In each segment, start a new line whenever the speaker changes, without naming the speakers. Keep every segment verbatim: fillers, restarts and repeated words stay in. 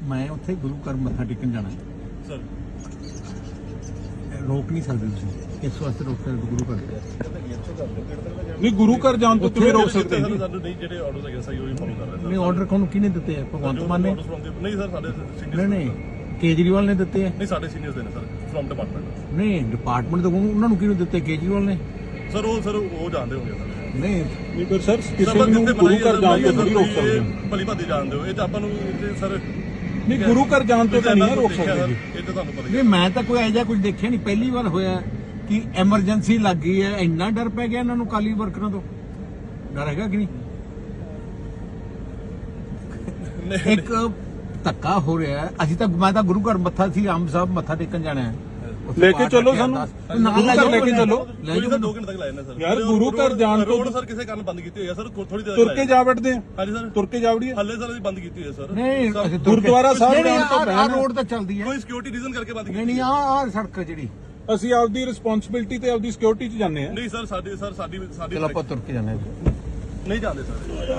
मैं उत्थे गुरु घर मत्था टेकन जाना
सर
रोक नहीं सकते तुसीं इस वास्ते रोक सकते गुरु घर
नहीं गुरु घर जान तो तुम्हें रोक सकते
नहीं ਜਿਹੜੇ ਆਰਡਰਸ ਹੈਗੇ ਸਹੀ ਉਹੀ ਫੋਲੋ ਕਰ ਰਹੇ
नहीं ऑर्डर कौन किने दिते हैं भगवंत मान ने
ਨਹੀਂ ਸਰ ਸਾਡੇ
नहीं
ਸੀਨੀਅਰ
नहीं केजरीवाल ने दिते हैं
ਨਹੀਂ ਸਾਡੇ ਸੀਨੀਅਰਸ ਦੇ ਨੇ ਸਰ ਫਰਮ ਡਿਪਾਰਟਮੈਂਟ
नहीं डिपार्टमेंट तो उन्होंने किने दिते केजरीवाल ने
ਸਰ ਉਹ ਸਰ ਉਹ ਜਾਣਦੇ ਹੋਗੇ ਸਰ
नहीं
नहीं पर सर किसी ਨੂੰ ਗੁਰੂ ਘਰ ਜਾਣ ਤੋਂ ਨਹੀਂ ਰੋਕ ਸਕਦੇ
ਭਲੀ ਭਾਦੀ ਜਾਣਦੇ ਹੋ ਇਹ ਤਾਂ ਆਪਾਂ ਨੂੰ ਸਰ
नहीं गुरु घर जान तो नहीं रोक सकते
ਇਹ ਤਾਂ ਤੁਹਾਨੂੰ ਪਤਾ
नहीं मैं तो कोई ऐसा कुछ देखा नहीं पहली बार होया कि एमरजेंसी लग गई है इन्ना डर पै गया इन्होंने काली वर्करां तो डर हैगा कि नहीं एक धक्का हो रहा है अभी तक मैं तो गुरु घर मत्था सी आम साहब मत्था टेकन जाना है
लेके चलो सानू गुरु घर लेके चलो
ਕੋਈ ਸਰ ਦੋ ਘੰਟੇ ਤੱਕ ਲਾਏ ਨੇ ਸਰ
यार गुरु घर जान तो
ਰੋਡ ਸਰ ਕਿਸੇ ਕਾਰਨ ਬੰਦ ਕੀਤੀ ਹੋਈ ਹੈ ਸਰ ਥੋੜੀ ਦੇਰ
तुर के जा बैठते हैं
ਹਾਂਜੀ ਸਰ
तुर के जा वड़िए
ਹੱਲੇ ਸਰ ਅਸੀਂ ਬੰਦ ਕੀਤੀ ਹੋਈ ਹੈ ਸਰ
नहीं
गुरुद्वारा साहब
नहीं,
जान तो
आ- आ रोड तो चलती है
ਕੋਈ ਸਿਕਿਉਰਿਟੀ ਰੀਜ਼ਨ ਕਰਕੇ ਬੰਦ
नहीं
ਕੀਤੀ
नहीं आ आ सड़क जी
ਅਸੀਂ ਆਪਦੀ ਰਿਸਪੌਂਸਿਬਿਲਟੀ ਤੇ ਆਪਦੀ ਸਿਕਿਉਰਿਟੀ 'ਚ ਜਾਂਦੇ ਆ
ਨਹੀਂ ਸਰ ਸਾਡੀ ਸਰ ਸਾਡੀ ਸਾਡੀ
चलो आप तुर के जाने
ਨਹੀਂ ਜਾਂਦੇ ਸਰ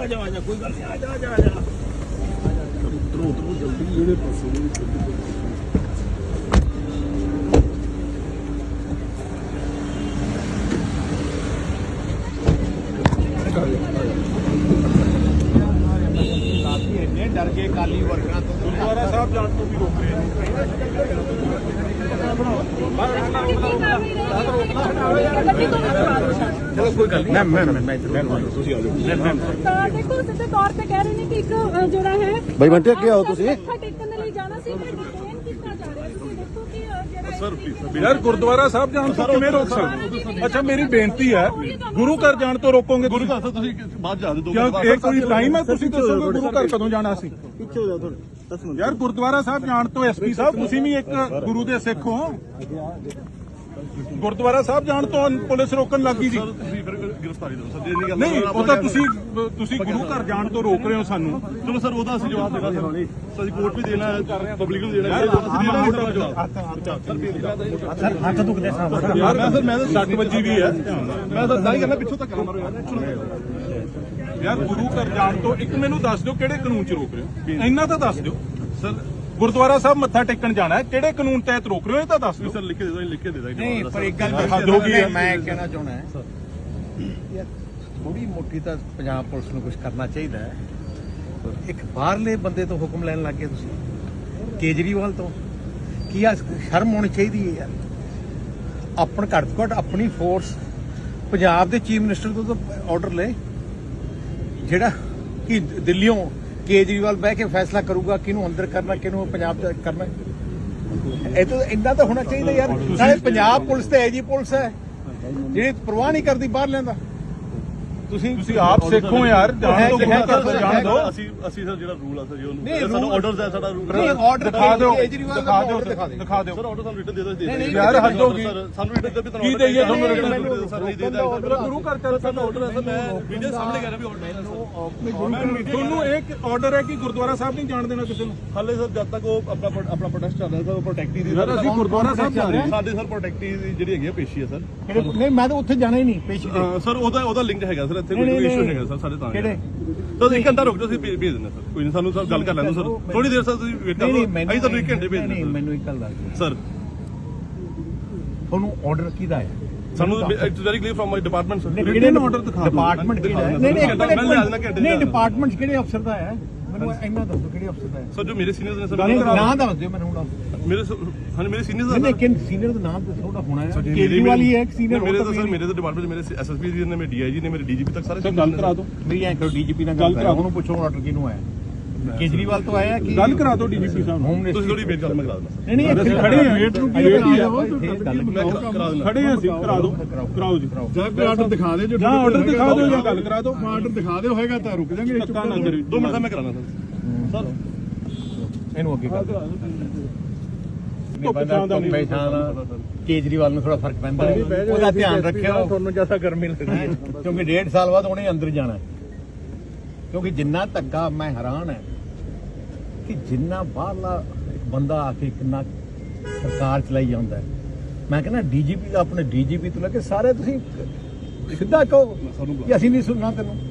डर के काली वर्करां तो
ਗੁਰਦੁਆਰਾ ਸਾਹਿਬ ਜਾਣ ਤੋਂ ਵੀ ਰੋਕ ਰਹੇ ਨੇ
चलो कोई गल नहीं मैं मैं मैं
ਤੁਸੀਂ ਆ ਜਾਓ
ਤਾਂ ਦੇਖੋ ਸਿੱਧੇ ਤੌਰ ਤੇ ਕਹਿ ਰਹੇ ਨੇ ਕਿ ਇੱਕ ਅ, ਜਿਹੜਾ ਹੈ
ਬਈ ਬੰਟੇ ਅੱਗੇ ਆਓ ਤੁਸੀਂ
ਮੱਥਾ ਟੇਕਣ ਦੇ ਲਈ ਜਾਣਾ ਸੀ ਪਰ ਡਿਟੇਨ ਕੀਤਾ ਜਾ ਰਿਹਾ ਤੁਸੀਂ ਦੇਖੋ ਕਿ ਅ, ਜਿਹੜਾ
ਸਰ ਪਲੀਜ਼ ਸਰ
ਯਾਰ ਗੁਰਦੁਆਰਾ ਸਾਹਿਬ ਜਾਣ ਤੋਂ ਕਿਵੇਂ ਰੋਕ ਸਕਦੇ ਅੱਛਾ ਮੇਰੀ ਬੇਨਤੀ ਹੈ ਗੁਰੂ ਘਰ ਜਾਣ ਤੋਂ ਰੋਕੋਗੇ
ਗੁਰੂ ਘਰ ਤੋਂ ਤੁਸੀਂ ਬਾਅਦ ਜਾ ਦਿਓ
ਕਿਉਂ ਇਹ ਕੋਈ ਟਾਈਮ ਹੈ ਤੁਸੀਂ ਦੱਸੋਗੇ ਗੁਰੂ ਘਰ ਕਦੋਂ ਜਾਣਾ ਸੀ
ਪਿੱਛੇ ਹੋ ਜਾਓ ਥੋੜੇ ਦਸ ਮਿੰਟ
ਯਾਰ ਗੁਰਦੁਆਰਾ ਸਾਹਿਬ ਜਾਣ ਤੋਂ ਐਸਪੀ ਸਾਹਿਬ ਤੁਸੀਂ ਵੀ ਇੱਕ ਗੁਰੂ ਦੇ ਸਿੱਖ ਹੋ ਗੁਰਦੁਆਰਾ ਸਾਹਿਬ ਜਾਣ ਤੋਂ ਪੁਲਿਸ ਰੋਕਣ ਲੱਗੀ ਜੀ
ਸਰ ਤੁਸੀਂ ਫਿਰ ਗ੍ਰਿਫਤਾਰੀ ਦਿਓ ਸਰ ਜੇ ਨਹੀਂ ਗੱਲ
ਨਹੀਂ ਉਹ ਤਾਂ ਤੁਸੀਂ ਤੁਸੀਂ ਗੁਰੂ ਘਰ ਜਾਣ ਤੋਂ ਰੋਕ ਰਹੇ ਹੋ ਸਾਨੂੰ
ਚਲੋ ਸਰ ਉਹਦਾ ਅਸੀਂ ਜਵਾਬ ਦੇਣਾ ਸਰ ਅਸੀਂ ਕੋਰਟ ਵੀ ਦੇਣਾ ਹੈ ਪਬਲਿਕ ਨੂੰ ਦੇਣਾ ਹੈ ਅਸੀਂ ਦੇਣਾ ਹੈ ਜਵਾਬ
हथ दुखते साहब
ਯਾਰ ਮੈਂ ਸਰ ਮੈਂ ਤਾਂ ਸੱਟ ਵੱਜੀ ਵੀ ਹੈ
ਮੈਂ ਤਾਂ ਦਾਈ ਕਰਨਾ ਪਿੱਛੋਂ ਤੱਕ ਮਾਰੋ ਯਾਰ
ਯਾਰ ਗੁਰੂ ਘਰ ਜਾਣ ਤੋਂ ਇੱਕ ਮੈਨੂੰ ਦੱਸ ਦਿਓ ਕਿਹੜੇ ਕਾਨੂੰਨ 'ਚ ਰੋਕ ਰਹੇ ਹੋ ਇੰਨਾ ਤਾਂ ਦੱਸ ਦਿਓ
ਸਰ
ਗੁਰਦੁਆਰਾ ਸਾਹਿਬ ਮੱਥਾ ਟੇਕਣ ਜਾਣਾ ਹੈ ਕਿਹੜੇ ਕਾਨੂੰਨ ਤਹਿਤ ਰੋਕ ਰਹੇ ਹੋ ਇਹ ਤਾਂ ਦੱਸ ਦਿਓ
ਸਰ ਲਿਖ ਕੇ ਦੇ ਦੋ ਲਿਖ ਕੇ ਦੇ ਦਾਂਗੇ
नहीं पर एक गल
हद हो गई है।
मैं कहना चाहना है यार थोड़ी मोटी तो पंजाब पुलिस ਨੂੰ कुछ करना चाहिए है एक बाहरले ਬੰਦੇ ਤੋਂ ਹੁਕਮ ਲੈਣ ਲੱਗ ਗਏ ਤੁਸੀਂ ਕੇਜਰੀਵਾਲ ਤੋਂ ਕੀ ਆ ਸ਼ਰਮ ਹੋਣੀ ਚਾਹੀਦੀ ਹੈ ਯਾਰ ਆਪਣ ਘੱਟ ਤੋਂ ਘੱਟ ਆਪਣੀ ਫੋਰਸ ਪੰਜਾਬ ਦੇ ਚੀਫ ਮਿਨਿਸਟਰ ਤੋਂ ਤਾਂ ਆਰਡਰ ਲੈ ਜਿਹੜਾ ਕਿ ਦਿੱਲੀੋਂ ਕੇਜਰੀਵਾਲ ਬਹਿ ਕੇ ਫੈਸਲਾ ਕਰੂਗਾ ਕਿਹਨੂੰ ਅੰਦਰ ਕਰਨਾ ਕਿਹਨੂੰ ਪੰਜਾਬ ਚ ਕਰਨਾ ਇਹ ਤਾਂ ਇੰਨਾ ਤਾਂ ਹੋਣਾ ਚਾਹੀਦਾ ਯਾਰ ਨਾਲੇ ਪੰਜਾਬ ਪੁਲਿਸ ਤੇ ਐਜੀ ਪੁਲਿਸ ਹੈ ਜਿਹੜੀ ਪ੍ਰਵਾਹ ਨਹੀਂ ਕਰਦੀ ਬਾਹਰ ਲੈਂਦਾ ਤੁਸੀਂ
ਤੁਸੀਂ ਆਪ ਸਿੱਖੋ ਯਾਰ ਜਾਣ ਤੋਂ ਗੁਰੂ ਘਰ ਤੋਂ ਜਾਣ ਦਿਓ
ਅਸੀਂ ਅਸੀਂ ਸਰ ਜਿਹੜਾ ਰੂਲ ਆ ਸਰ ਜੀ
ਨਹੀਂ,
ਉਹਨੂੰ ਸਾਨੂੰ
rule-
ਆਰਡਰਸ ਹੈ ਸਾਡਾ ਰੂਲ
ਨਹੀਂ ਆਰਡਰ
ਦਿਖਾ ਦਿਓ
ਕੇਜਰੀਵਾਲ ਦਾ
ਦਿਖਾ ਦਿਓ
order ਦਿਖਾ ਦਿਓ
ਦਿਖਾ ਦਿਓ
ਸਰ ਆਰਡਰ ਸਾਨੂੰ ਰਿਟਨ ਦੇ ਦੋ ਦੇ
ਨਹੀਂ, ਨਹੀਂ,
ਯਾਰ ਹੱਦ ਹੋ ਗਈ
ਸਾਨੂੰ ਰਿਟਨ ਦੇ ਵੀ ਤੁਹਾਨੂੰ
ਕੀ ਦੇਈਏ ਤੁਹਾਨੂੰ
ਰਿਟਨ
written?
ਸਰ ਨਹੀਂ ਦੇ ਦਾਂਗੇ
ਮੇਰਾ ਗੁਰੂ ਘਰ ਚੱਲ
ਸਾਡਾ ਆਰਡਰ ਹੈ ਸਰ ਮੈਂ ਵੀਡੀਓ ਸਾਹਮਣੇ ਕਰ ਰਿਹਾ ਵੀ ਆਰਡਰ ਹੈ
ਤੁਹਾਨੂੰ ਇੱਕ ਆਰਡਰ ਹੈ ਕਿ ਗੁਰਦੁਆਰਾ ਸਾਹਿਬ ਨਹੀਂ ਜਾਣ ਦੇਣਾ ਕਿਸੇ ਨੂੰ
ਹਾਲੇ ਸਰ ਜਦ ਤੱਕ ਉਹ ਆਪਣਾ ਆਪਣਾ ਪ੍ਰੋਟੈਸਟ ਚੱਲ ਰਿਹਾ ਸਰ ਪ੍ਰੋਟੈਕਟੀ ਦੀ
ਯਾਰ ਅਸੀਂ ਗੁਰਦੁਆਰਾ ਸਾਹਿਬ ਜਾ ਰਹੇ ਹਾਂ
ਸਾਡੇ ਸਰ ਪ੍ਰੋਟੈਕਟੀ ਦੀ ਜਿਹੜੀ ਹੈਗੀ ਆ ਪੇਸ਼ੀ ਹੈ ਸਰ
ਨਹੀਂ ਮੈਂ ਤਾਂ ਉੱਥੇ ਜਾਣਾ ਹੀ ਨਹੀਂ ਪੇਸ਼ੀ ਤੇ
ਸਰ ਉਹਦਾ ਉਹਦਾ ਲਿੰਕ ਹੈਗਾ ਸਰ ਇੱਥੇ
ਨਹੀਂ,
ਕੋਈ
ਨਹੀਂ,
ਇਸ਼ੂ
ਨਹੀਂ।
ਹੈਗਾ ਸਰ ਸਾਡੇ ਤਾਂ
ਕਿਹੜੇ?
ਸਰ ਇੱਕ ਘੰਟਾ ਰੁਕ ਜਾਓ ਅਸੀਂ ਭੇਜ ਭੇਜ ਦਿੰਦੇ ਸਰ ਕੋਈ ਨਹੀਂ ਸਾਨੂੰ ਸਰ ਗੱਲ ਕਰ ਲੈਣ ਦਿਓ ਸਰ ਥੋੜੀ ਦੇਰ ਸਰ ਤੁਸੀਂ ਵੇਟ ਕਰੋ ਅਸੀਂ ਤੁਹਾਨੂੰ ਇੱਕ ਘੰਟੇ ਭੇਜ
ਨਹੀਂ
ਦਿੰਦੇ
ਮੈਨੂੰ ਇੱਕ ਗੱਲ ਦੱਸ ਦਿਓ
ਸਰ
ਤੁਹਾਨੂੰ ਆਰਡਰ ਕਿਹਦਾ ਹੈ
ਸਾਨੂੰ it's very clear from my department sir
ਕਿਹੜੇ ਆਰਡਰ ਦਿਖਾ ਦਿਓ
ਡਿਪਾਰਟਮੈਂਟ ਕਿਹੜਾ ਹੈ ਨਹੀਂ ਨਹੀਂ ਇੱਕ
ਮੈਂ ਲਿਆ ਦੇਣਾ
ਮਿੰਟ
ਘੰਟੇ
ਨਹੀਂ
ਚ।
ਡਿਪਾਰਟਮੈਂਟ ਕਿਹੜੇ ਅਫਸਰ ਦਾ ਹੈ ਮੈਨੂੰ ਇੰਨਾ ਦੱਸੋ ਕਿਹੜੇ ਅਫਸਰ ਦਾ ਹੈ
ਸਰ ਜੋ ਮੇਰੇ ਸੀਨੀਅਰਸ ਨੇ ਸਰ
ਨਾਮ ਦੱਸ ਦਿਓ ਮੈਨੂੰ ਹੁਣ
ਮੇਰੇ ਹਾਂ ਮੇਰੇ ਸੀਨੀਅਰਸ
ਨਹੀਂ ਲੇਕਿਨ ਸੀਨੀਅਰ ਦਾ ਨਾਮ ਤਾਂ ਥੋੜਾ ਹੋਣਾ ਹੈ ਕੇਜਰੀਵਾਲ ਹੀ ਹੈ ਇੱਕ ਸੀਨੀਅਰ
ਮੇਰੇ ਤਾਂ ਸਰ ਮੇਰੇ ਤਾਂ ਡਿਪਾਰਟਮੈਂਟ ਮੇਰੇ ਐਸਐਸਪੀ ਜੀ ਨੇ ਮੇਰੇ ਡੀਆਈਜੀ ਨੇ ਮੇਰੇ ਡੀਜੀਪੀ ਤੱਕ ਸਾਰੇ
ਗੱਲ ਕਰਾ ਦਿਓ
ਮੇਰੀ ਐਂ ਕਰੋ ਡੀਜੀਪੀ ਨਾਲ ਗੱਲ ਕਰਾ ਉਹਨੂੰ ਪੁੱਛੋ ਆਰਡਰ ਕਿਹਨੂੰ ਆਇਆ ਕੇਜਰੀਵਾਲ ਤੋਂ ਆਇਆ ਕਿ
ਗੱਲ ਕਰਾ ਦਿਓ ਡੀਜੀਪੀ ਸਾਹਿਬ ਨੂੰ
ਹੋਮ
ਤੁਸੀਂ
ਮਿਨਿਸਟਰ
ਥੋੜੀ ਵੇਟ ਕਰ ਮੈਂ ਕਰਾ ਦਿੰਦਾ
ਨਹੀਂ ਨਹੀਂ ਇੱਥੇ
ਖੜੇ ਹਾਂ ਵੇਟ ਨੂੰ ਕੀ
ਵੇਟ ਹੀ ਆ
ਹੈ
ਮੈਂ ਕਰਾ ਦਿੰਦਾ
ਖੜੇ ਹਾਂ ਅਸੀਂ ਕਰਾ ਦਿਓ ਕਰਾਓ ਜੀ
ਜਾਂ ਕੋਈ ਆਰਡਰ ਦਿਖਾ ਦੇ ਜੋ
ਜਾਂ ਆਰਡਰ ਦਿਖਾ ਦਿਓ ਜਾਂ ਗੱਲ ਕਰਾ ਦਿਓ
ਆਰਡਰ ਦਿਖਾ ਦਿਓ ਹੋਏਗਾ ਤਾਂ ਰੁਕ ਜਾਾਂਗੇ
ਧੱਕਾ ਨਾ ਕਰਿਓ
ਦੋ ਮਿੰਟ ਦਾ ਮੈਂ ਕਰਾਣਾ ਸਰ ਸਰ
ਇਹਨੂੰ ਅੱਗੇ ਕਰ ਦਿਓ
ਧੁੱਪ ਛਾਂ ਦਾ ਨਹੀਂ
ਕੇਜਰੀਵਾਲ ਨੂੰ ਥੋੜਾ ਫਰਕ ਪੈਂਦਾ ਉਹਦਾ ਧਿਆਨ ਰੱਖਿਓ ਤੁਹਾਨੂੰ ਜਿਆਦਾ ਗਰਮੀ ਲੱਗਦੀ ਕਿਉਂਕਿ ਡੇਢ ਸਾਲ ਬਾਅਦ ਉਹਨੇ ਅੰਦਰ ਜਾਣਾ ਕਿਉਂਕਿ ਜਿੰਨਾ ਧੱਕਾ ਮੈਂ ਹੈਰਾਨ ਹੈ ਕਿ ਜਿੰਨਾ ਬਾਹਰਲਾ ਇੱਕ ਬੰਦਾ ਆ ਕੇ ਕਿੰਨਾ ਸਰਕਾਰ ਚਲਾਈ ਜਾਂਦਾ ਹੈ ਮੈਂ ਕਹਿੰਦਾ ਡੀਜੀਪੀ ਦਾ ਆਪਣੇ ਡੀਜੀਪੀ ਤੋਂ ਲੈ ਕੇ ਸਾਰੇ ਤੁਸੀਂ ਸਿੱਧਾ ਕਹੋ ਕਿ ਅਸੀਂ ਨਹੀਂ ਸੁਣਨਾ ਤੈਨੂੰ